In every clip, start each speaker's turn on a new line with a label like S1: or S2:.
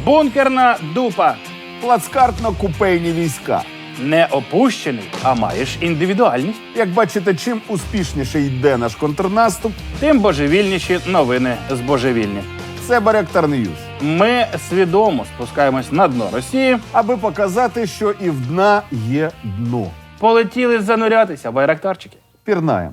S1: Бункерна дупа.
S2: Плацкартно-купейні війська.
S1: Не опущений, а маєш індивідуальність.
S2: Як бачите, чим успішніше йде наш контрнаступ,
S1: Тим божевільніші новини з божевільні.
S2: це Байрактар Ньюс.
S1: Ми свідомо спускаємось на дно Росії.
S2: Аби показати, що і в дна є дно.
S1: Полетіли занурятися, байрактарчики.
S2: Пірнаєм.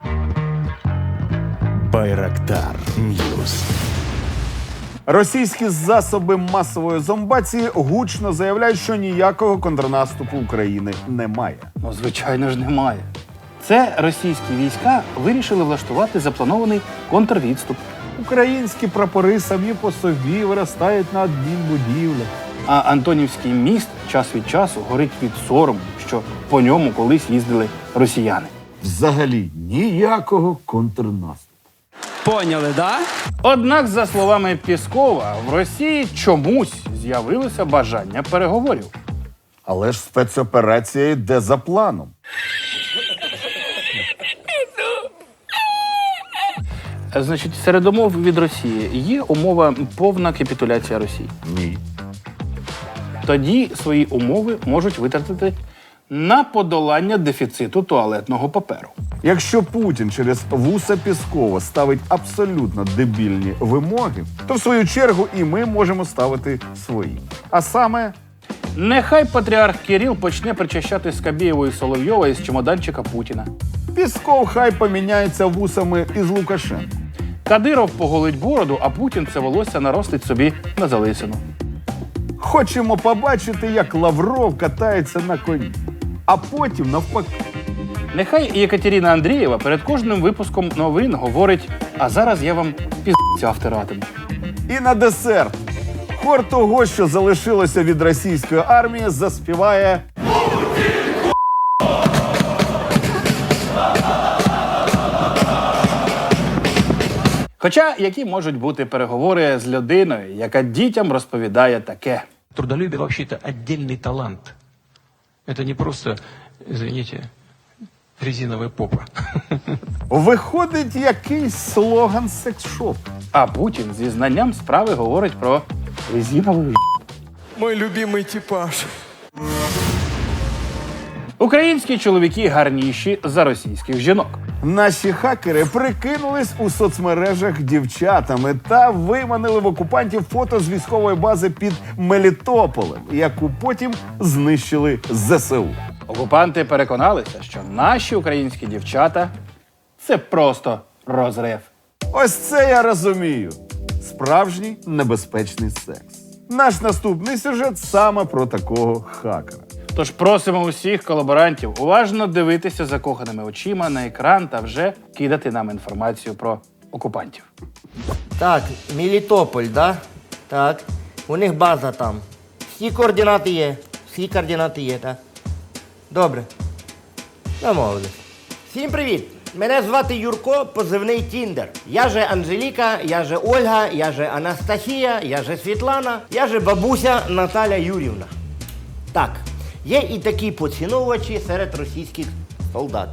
S3: Байрактар Ньюс.
S2: Російські засоби масової зомбації гучно заявляють, що ніякого контрнаступу України немає.
S1: Ну, звичайно ж, немає. Це російські війська вирішили влаштувати запланований контрвідступ.
S2: Українські прапори самі по собі виростають на адмінбудівлях.
S1: А Антонівський міст час від часу горить від сорому, що по ньому колись їздили росіяни.
S2: Взагалі ніякого контрнаступу.
S4: Поняли, да?
S1: Однак, за словами Пєскова, в Росії чомусь з'явилося бажання переговорів.
S2: Але ж спецоперація йде за планом.
S1: Значить, серед умов від Росії є умова повна капітуляція Росії.
S2: Ні.
S1: Тоді свої умови можуть витратити на подолання дефіциту туалетного паперу.
S2: Якщо Путін через вуса Пєскова ставить абсолютно дебільні вимоги, то в свою чергу і ми можемо ставити свої. А саме,
S1: Нехай патріарх Кирил почне причащати Скабєєва і Соловйова із чемоданчика Путіна.
S2: Пєсков хай поміняється вусами із Лукашенко.
S1: Кадиров поголить бороду, а Путін це волосся наростить собі на залисину.
S2: Хочемо побачити, як Лавров катається на коні. А потім навпаки.
S1: Нехай Єкатерина Андрієва перед кожним випуском новин говорить: а зараз я вам піздця втиратиму.
S2: І на десерт. Хор того, що залишилося від російської армії, заспіває
S1: Хоча які можуть бути переговори з людиною, яка дітям розповідає таке.
S5: Трудолюбие вообще-то отдельный талант. Это не просто, извините, резиновая попа.
S2: Виходить якийсь слоган секс-шопу.
S1: А Путін зі знанням справи говорить про резинову.
S4: Мой любимый типаж.
S1: Українські чоловіки гарніші за російських жінок.
S2: Наші хакери прикинулись у соцмережах дівчатами та виманили в окупантів фото з військової бази під Мелітополем, яку потім знищили ЗСУ.
S1: Окупанти переконалися, що наші українські дівчата – це просто розрив.
S2: Ось це я розумію. Справжній небезпечний секс. Наш наступний сюжет саме про такого хакера.
S1: Тож просимо усіх колаборантів уважно дивитися закоханими очима на екран та вже кидати нам інформацію про окупантів.
S6: Так, Мелітополь, да? Так. У них база там. Всі координати є. Всі координати є, так? Добре. Домовились. Всім привіт! Мене звати Юрко, позивний Тіндер. Я же Анжеліка, я же Ольга, я же Анастасія, я же Світлана, я же бабуся Наталя Юрівна. Так, є і такі поціновувачі серед російських солдат.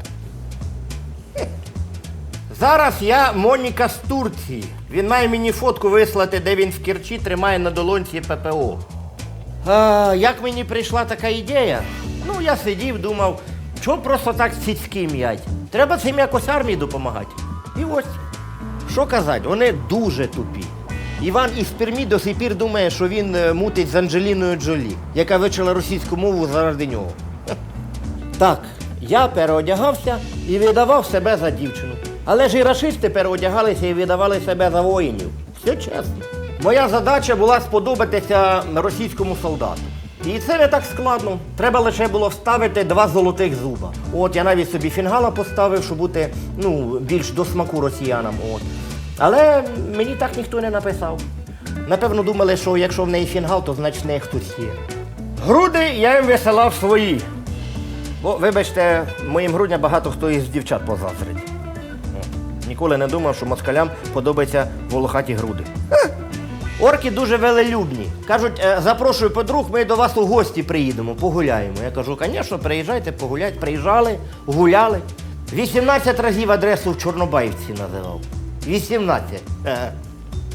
S6: Зараз я Моніка з Турції. Він має мені фотку вислати, де він в Керчі тримає на долонці ППО. Як мені прийшла така ідея? Ну, я сидів, думав, чого просто так цицьки м'ять? Треба цим якось армії допомагати. І ось, що казати, вони дуже тупі. Іван із Пермі до сих пір думає, що він мутить з Анджеліною Джолі, яка вивчила російську мову заради нього. Так, я переодягався і видавав себе за дівчину. Але ж і рашисти переодягалися і видавали себе за воїнів. Все чесно. Моя задача була сподобатися російському солдату. І це не так складно. Треба лише було вставити 2 золотих зуба. От я навіть собі фінгала поставив, щоб бути більш до смаку росіянам. От. Але мені так ніхто не написав. Напевно, думали, що якщо в неї фінгал, то значить в неї хтось є. Груди я їм висилав свої. Бо, вибачте, моїм грудням багато хто із дівчат позазрить. Ніколи не думав, що москалям подобаються волохаті груди. Орки дуже велелюбні. Кажуть, запрошую подруг, ми до вас у гості приїдемо, погуляємо. Я кажу, звісно, приїжджайте, погуляйте. Приїжджали, гуляли. 18 разів адресу в Чорнобаївці називав. 18.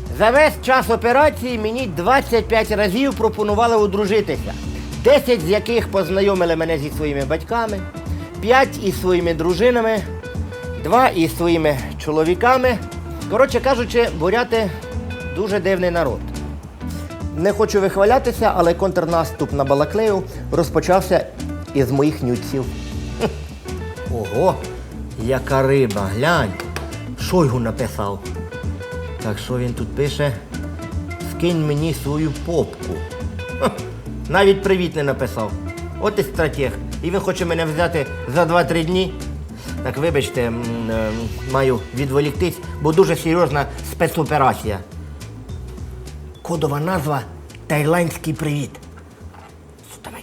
S6: За весь час операції мені 25 разів пропонували одружитися. 10 з яких познайомили мене зі своїми батьками, 5 із своїми дружинами, 2 із своїми чоловіками. Коротше кажучи, буряти дуже дивний народ. Не хочу вихвалятися, але контрнаступ на Балаклею розпочався із моїх нюців. Ого, яка риба, глянь. Шойгу написав. Так що він тут пише? Скинь мені свою попку. Ха, навіть привіт не написав. От і стратег. І він хоче мене взяти за 2-3 дні. Так вибачте, маю відволіктись, бо дуже серйозна спецоперація. Кодова назва «Таїландський привіт». Давайте.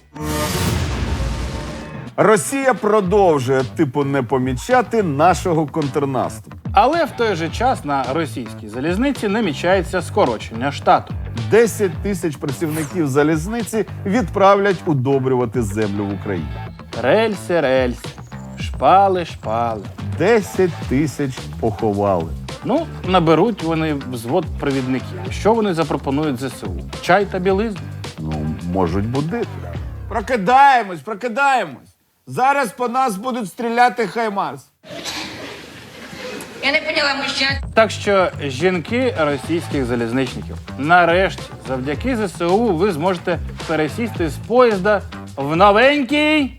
S2: Росія продовжує не помічати нашого контрнаступу.
S1: Але в той же час на російській залізниці намічається скорочення штату.
S2: 10 тисяч працівників залізниці відправлять удобрювати землю в Україні.
S1: Рельси, шпали.
S2: 10 тисяч поховали.
S1: Ну, наберуть вони взвод провідників. Що вони запропонують ЗСУ? Чай та білизну?
S2: Можуть будити.
S7: Прокидаємось. Зараз по нас будуть стріляти Хаймарс.
S8: Я не поняла, мужчина.
S1: Так що, жінки російських залізничників, нарешті, завдяки ЗСУ ви зможете пересісти з поїзда в новенький...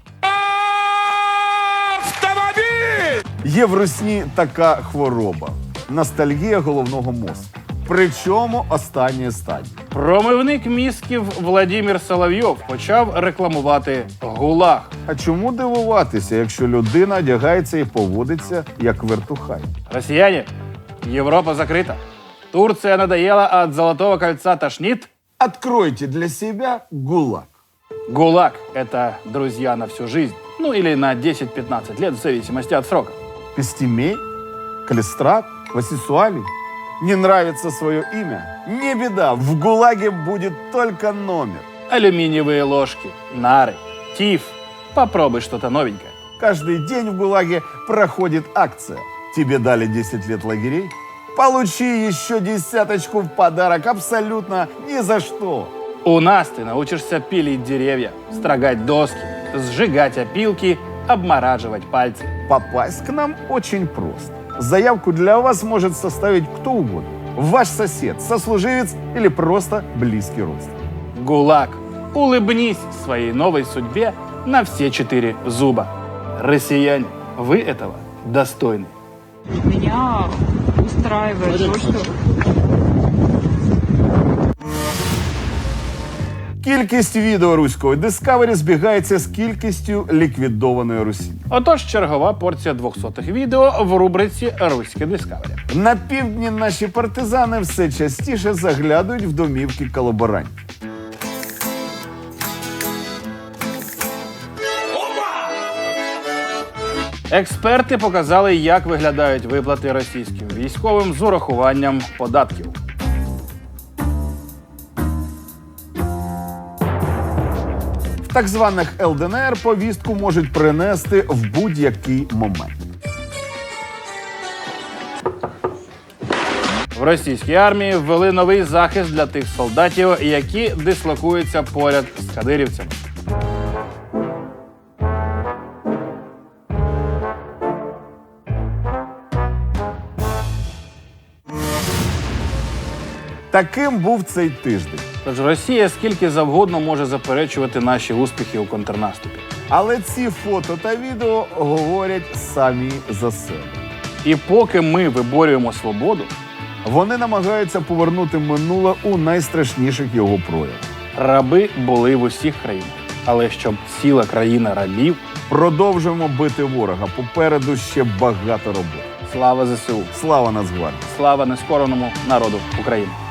S2: Є в русні така хвороба – ностальгія головного мозку. Причому останньої стадії.
S1: Промивник мізків Владимир Соловйов почав рекламувати ГУЛАГ.
S2: А чому дивуватися, якщо людина одягається і поводиться як вертухай?
S1: Россияне, Европа закрыта. Турция надоела, а от Золотого кольца тошнит.
S2: Откройте для себя ГУЛАГ.
S1: ГУЛАГ – это друзья на всю жизнь. Ну или на 10-15 лет, в зависимости от срока.
S2: Пестемей? Калистрат? Васисуалий? Не нравится свое имя? Не беда, в ГУЛАГе будет только номер.
S1: Алюминиевые ложки, нары, тиф. Попробуй что-то новенькое.
S2: Каждый день в ГУЛАГе проходит акция. Тебе дали 10 лет лагерей? Получи еще 10 в подарок абсолютно ни за что.
S1: У нас ты научишься пилить деревья, строгать доски, сжигать опилки, обмораживать пальцы.
S2: Попасть к нам очень просто. Заявку для вас может составить кто угодно. Ваш сосед, сослуживец или просто близкий родственник.
S1: ГУЛАГ. Улыбнись своей новой судьбе на все 4 зуба. Россияне, вы этого достойны.
S9: Меня устраивает то, что...
S2: Кількість відео руської Discovery збігається з кількістю ліквідованої Русі.
S1: Отож, чергова порція 200-х відео в рубриці «Руське Дискавері».
S2: На півдні наші партизани все частіше заглядують в домівки колаборантів.
S1: Експерти показали, як виглядають виплати російським військовим з урахуванням податків.
S2: В так званих ЛДНР повістку можуть принести в будь-який момент.
S1: В російській армії ввели новий захист для тих солдатів, які дислокуються поряд з кадирівцями.
S2: Таким був цей тиждень.
S1: Тож Росія скільки завгодно може заперечувати наші успіхи у контрнаступі.
S2: Але ці фото та відео говорять самі за себе.
S1: І поки ми виборюємо свободу,
S2: Вони намагаються повернути минуле у найстрашніших його проявах.
S1: раби були в усіх країнах. Але щоб ціла країна рабів,
S2: Продовжуємо бити ворога. Попереду ще багато роботи.
S1: слава ЗСУ,
S2: Слава Нацгвардії!
S1: слава нескореному народу України.